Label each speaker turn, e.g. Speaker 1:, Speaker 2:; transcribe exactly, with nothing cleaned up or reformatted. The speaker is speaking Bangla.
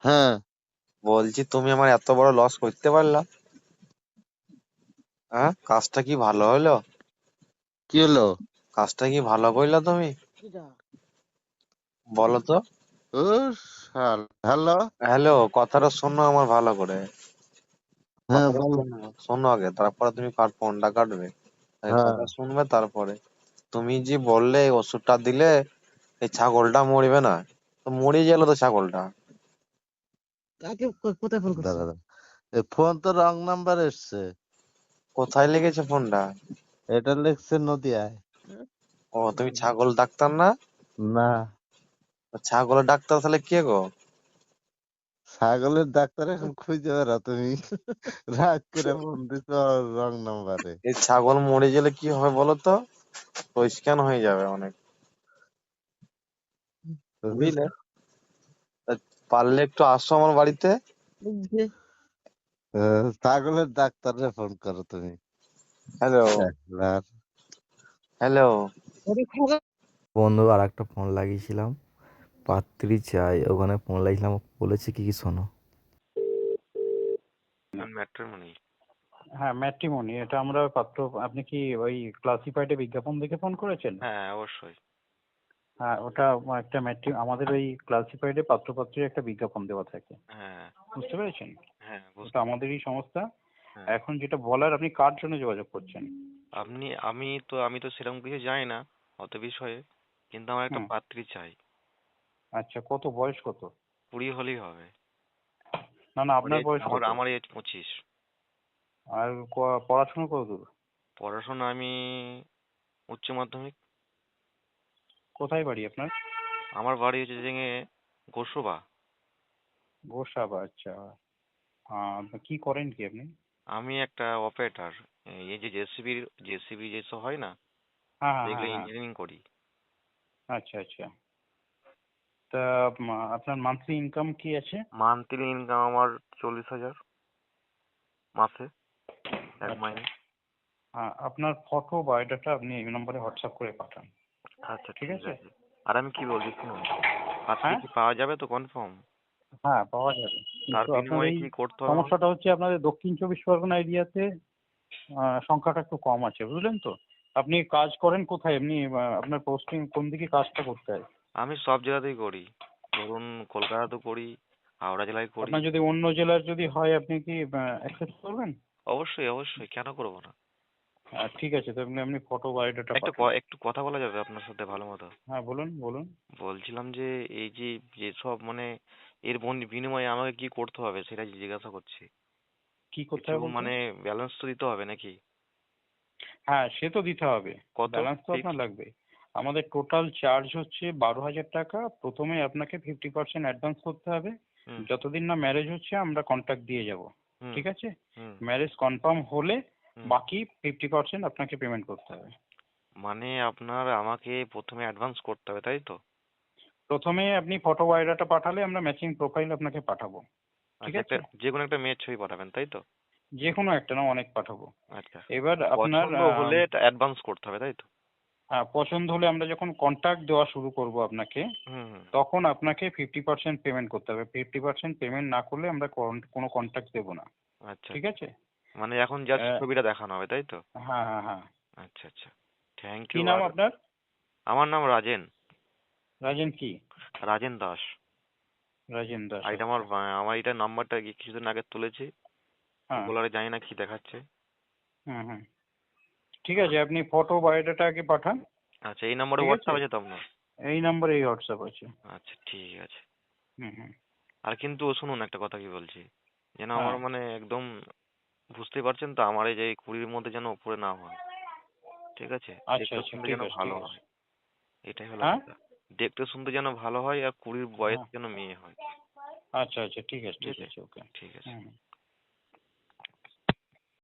Speaker 1: হ্যাঁ,
Speaker 2: বলছি তুমি আমার এত বড় লস করতে পারলা? হ্যাঁ, কাজটা কি ভালো হলো?
Speaker 1: কি হলো?
Speaker 2: কাজটা কি ভালো করলা তুমি? বলো তো।
Speaker 1: ও শাল, হ্যালো।
Speaker 2: হ্যালো, কথাটা শোনো আমার ভালো করে।
Speaker 1: হ্যাঁ
Speaker 2: কথাটা
Speaker 1: বল।
Speaker 2: শোনো, শোনো আগে, তারপরে তুমি কার ফোনটা কাটবে। আগে
Speaker 1: হ্যাঁ,
Speaker 2: কথা শুনবে তারপরে। তুমি যে বললে এই ওষুধটা দিলে এই ছাগলটা মরবে না, তো মরে গেল তো ছাগলটা।
Speaker 3: কাকে কো- কোথায় ফোন করছো?
Speaker 1: দাঁড়া দাঁড়া। এ ফোন তো রং নাম্বার এসছে।
Speaker 2: কোথায় লেগেছে ফোনটা?
Speaker 1: এটা লিখছে নদিয়ায়।
Speaker 2: ও, তুমি ছাগল ডাক্তার না?
Speaker 1: না,
Speaker 2: ছাগলের ডাক্তার তাহলে কে গো?
Speaker 1: ছাগলের ডাক্তার এখন খুঁজে বেড়া তুমি। রাগ করে ফোন দিছ রং নাম্বারে।
Speaker 2: এই ছাগল মরে গেলে কি হবে বলো তো? পরিষ্কার হয়ে যাবে অনেক, বুঝলে? তা পারলে একটু আসো আমার বাড়িতে।
Speaker 1: আহ, ছাগলের ডাক্তারে ফোন করো তুমি।
Speaker 2: হ্যালো,
Speaker 1: শালার।
Speaker 2: হ্যালো।
Speaker 4: বন্ধু আর একটা ফোন লাগিয়েছিলাম, পাত্রী চাই, ওখানে ফোন লাগিয়েছিলাম, বলেছে কি কি শোনো।
Speaker 2: ম্যাট্রিমনি।
Speaker 5: হ্যাঁ, ম্যাট্রিমনি। এটা আমরা পাত্র, আপনি কি ওই ক্লাসিফাইডে বিজ্ঞাপন দেখে ফোন করেছেন?
Speaker 2: হ্যাঁ, অবশ্যই।
Speaker 5: হ্যাঁ, ওটা একটা ম্যাট্রি, আমাদের ওই ক্লাসিফাইডে পাত্রপাত্রীর একটা বিজ্ঞাপন দেওয়া থাকে,
Speaker 2: হ্যাঁ,
Speaker 5: বুঝতে পেরেছেন?
Speaker 2: হ্যাঁ,
Speaker 5: ওটা
Speaker 2: বুঝতে
Speaker 5: আমাদেরই সংস্থা।
Speaker 2: হ্যাঁ।
Speaker 5: এখন যেটা বলার, আপনি কার জন্য যোগাযোগ করছেন?
Speaker 2: আপনি আমি তো আমি তো সেরকম কিছু জানি না অত বিষয়ে, কিন্তু আমার একটা
Speaker 5: হুম,
Speaker 2: পাত্রী চাই।
Speaker 5: আচ্ছা, কত বয়স কত?
Speaker 2: কুড়ি হলেই হবে।
Speaker 5: না না,
Speaker 2: ওর
Speaker 5: আপনার
Speaker 2: age-
Speaker 5: বয়স
Speaker 2: আমার
Speaker 5: কত?
Speaker 2: আমার এজ পঁচিশ।
Speaker 5: আর ক- পড়াশোনা কত দূর?
Speaker 2: পড়াশোনা আমি উচ্চ মাধ্যমিক।
Speaker 5: কোথায় বাড়ি আপনার?
Speaker 2: আমার বাড়ি হচ্ছে যে গোসবা।
Speaker 5: গোসাবা, আচ্ছা। আহ, কি করেন কি আপনি?
Speaker 2: আমি একটা অপারেটর, এই যে জেসিবির জেসিবি যেসব হয় না,
Speaker 5: হ্যাঁ হ্যাঁ
Speaker 2: সেগুলো
Speaker 5: হ্যাঁ হ্যাঁ,
Speaker 2: ইঞ্জিনিয়ারিং করি।
Speaker 5: আচ্ছা আচ্ছা। তা উম, আপনার মান্থলি ইনকাম কি আছে?
Speaker 2: মান্থলি ইনকাম আমার চল্লিশ হাজার মাসে, এক
Speaker 5: আচ্ছা,
Speaker 2: মাইনে।
Speaker 5: হ্যাঁ, আপনার ফটো বায়োডাটা আপনি এই নম্বরে হোয়াটসঅ্যাপ করে পাঠান,
Speaker 2: আচ্ছা,
Speaker 5: ঠিক
Speaker 2: ঠিক
Speaker 5: আছে?
Speaker 2: আছে। আর আমি কি বলছি শুনুন, পাত্রী
Speaker 5: হ্যাঁ
Speaker 2: কি পাওয়া যাবে তো কনফার্ম?
Speaker 5: হ্যাঁ, পাওয়া যাবে,
Speaker 2: তার
Speaker 5: কিন্তু আপনার
Speaker 2: বিনিময়ে
Speaker 5: এই
Speaker 2: কি করতে হবে আমাকে?
Speaker 5: সমস্যাটা হচ্ছে আপনাদের দক্ষিণ চব্বিশ পরগনা এরিয়াতে সংখ্যাটা একটু কম আছে, বুঝলেন তো? আপনি কাজ করেন কোথায় এমনি? আহ, আপনার পোস্টিং কোন দিকে কাজটা করতে হয়?
Speaker 2: আমি সব জায়গাতেই করি, ধরুন কলকাতাতেও করি, হাওড়া জেলায় করি।
Speaker 5: আপনার যদি অন্য জেলার যদি হয়, আপনি কি অ্যাকসেপ্ট করবেন?
Speaker 2: অবশ্যই, অবশ্যই, কেন করবো না।
Speaker 5: আহ, ঠিক আছে, তো আপনি আপনি ফটো বায়োডাটা
Speaker 2: একটু
Speaker 5: পাঠান।
Speaker 2: ক- একটু কথা বলা যাবে আপনার সাথে ভালো মতো?
Speaker 5: হ্যাঁ, বলুন বলুন।
Speaker 2: বলছিলাম যে এই যে যেসব মানে এর বন- বিনিময়ে আমাকে কি করতে হবে সেটা জিজ্ঞাসা করছি।
Speaker 5: কি করতে
Speaker 2: কিছু
Speaker 5: হবে বলতে?
Speaker 2: মানে ব্যালেন্স তো দিতে হবে নাকি?
Speaker 5: হ্যাঁ, সে তো দিতে হবে।
Speaker 2: কত
Speaker 5: ব্যালেন্স তো
Speaker 2: ফিক্স?
Speaker 5: আপনার লাগবে। আমাদের টোটাল চার্জ হচ্ছে বারো হাজার টাকা। প্রথমে আপনাকে ফিফটি পার্সেন্ট অ্যাডভান্স করতে হবে।
Speaker 2: হুম,
Speaker 5: যতদিন না ম্যারেজ হচ্ছে আমরা কন্ট্যাক্ট দিয়ে যাব,
Speaker 2: হুম,
Speaker 5: ঠিক আছে?
Speaker 2: হুম,
Speaker 5: ম্যারেজ কনফার্ম হলে
Speaker 2: হুম।
Speaker 5: বাকি ফিফটি পার্সেন্ট আপনাকে পেমেন্ট করতে হবে।
Speaker 2: মানে আপনার আমাকে প্রথমে অ্যাডভান্স করতে হবে তাই তো?
Speaker 5: প্রথমে আপনি ফটো বায়োডাটা পাঠালে আমরা ম্যাচিং প্রোফাইল আপনাকে পাঠাবো, ঠিক
Speaker 2: আচ্ছা, একটা
Speaker 5: আছে?
Speaker 2: যে কোনো একটা মেয়ের ছবি পাঠাবেন তাই তো?
Speaker 5: যে কোনো একটা না, অনেক পাঠাবো।
Speaker 2: আচ্ছা।
Speaker 5: এবার আপনার
Speaker 2: পছন্দ
Speaker 5: আহ,
Speaker 2: হলে অ্যাডভান্স করতে হবে তাই তো?
Speaker 5: হ্যাঁ, পছন্দ হলে আমরা যখন কন্ট্যাক্ট দেওয়া শুরু করব আপনাকে,
Speaker 2: হুম, হুম।
Speaker 5: তখন আপনাকে ফিফটি পার্সেন্ট পেমেন্ট করতে হবে। ফিফটি পার্সেন্ট পেমেন্ট না করলে আমরা কোন- কোনো কন্ট্যাক্ট দেবো না,
Speaker 2: আচ্ছা,
Speaker 5: ঠিক
Speaker 2: আচ্ছা।
Speaker 5: আছে?
Speaker 2: মানে এখন জাস্ট
Speaker 5: আহ,
Speaker 2: ছবিটা দেখানো হবে তাই তো?
Speaker 5: হ্যাঁ হ্যাঁ হ্যাঁ।
Speaker 2: আচ্ছা, আচ্ছা। থ্যাংক
Speaker 5: কি
Speaker 2: ইউ।
Speaker 5: নাম
Speaker 2: আর
Speaker 5: আপনার?
Speaker 2: আমার নাম রাজেন,
Speaker 5: রাজেন কি?
Speaker 2: রাজেন দাস।
Speaker 5: রাজেন দাস,
Speaker 2: আর এটা আমার
Speaker 5: আচ্ছা।
Speaker 2: বা- আমার এটা নাম্বারটা কিছুদিন আগে তুলেছি,
Speaker 5: হ্যাঁ,
Speaker 2: বলারে জানি না কি দেখাচ্ছে।
Speaker 5: হুম হুম, ঠিক আছে, আপনি ফটো বায়োডাটা আগে পাঠান,
Speaker 2: আচ্ছা, এই নম্বরে
Speaker 5: ঠিক আছে?
Speaker 2: হোয়াটসঅ্যাপ আছে তো আপনার?
Speaker 5: এই নাম্বারে এই হোয়াটসঅ্যাপ আছে।
Speaker 2: আচ্ছা, ঠিক আছে।
Speaker 5: হুম হুম,
Speaker 2: আর কিন্তু শুনুন একটা কথা কি বলছি, যেন আমার
Speaker 5: হ্যাঁ,
Speaker 2: মানে একদম বুঝতেই পারছেন তো, আমার এই যে কুড়ির মধ্যে যেন উপরে না হয়, ঠিক আছে?
Speaker 5: আচ্ছা
Speaker 2: দেখতে
Speaker 5: আচ্ছা,
Speaker 2: শুনতে
Speaker 5: ঠিক
Speaker 2: যেন
Speaker 5: আছে
Speaker 2: ভালো
Speaker 5: ঠিক আছে।
Speaker 2: হয়, এটাই হলো
Speaker 5: হ্যাঁ
Speaker 2: কথা। দেখতে শুনতে যেন ভালো হয় আর কুড়ির বয়স
Speaker 5: হ্যাঁ,
Speaker 2: যেন মেয়ে হয়।
Speaker 5: আচ্ছা আচ্ছা, ঠিক আছে
Speaker 2: ঠিক
Speaker 5: ঠিক
Speaker 2: আছে,
Speaker 5: আছে, ওকে।
Speaker 2: ঠিক আছে।
Speaker 5: হুম হুম।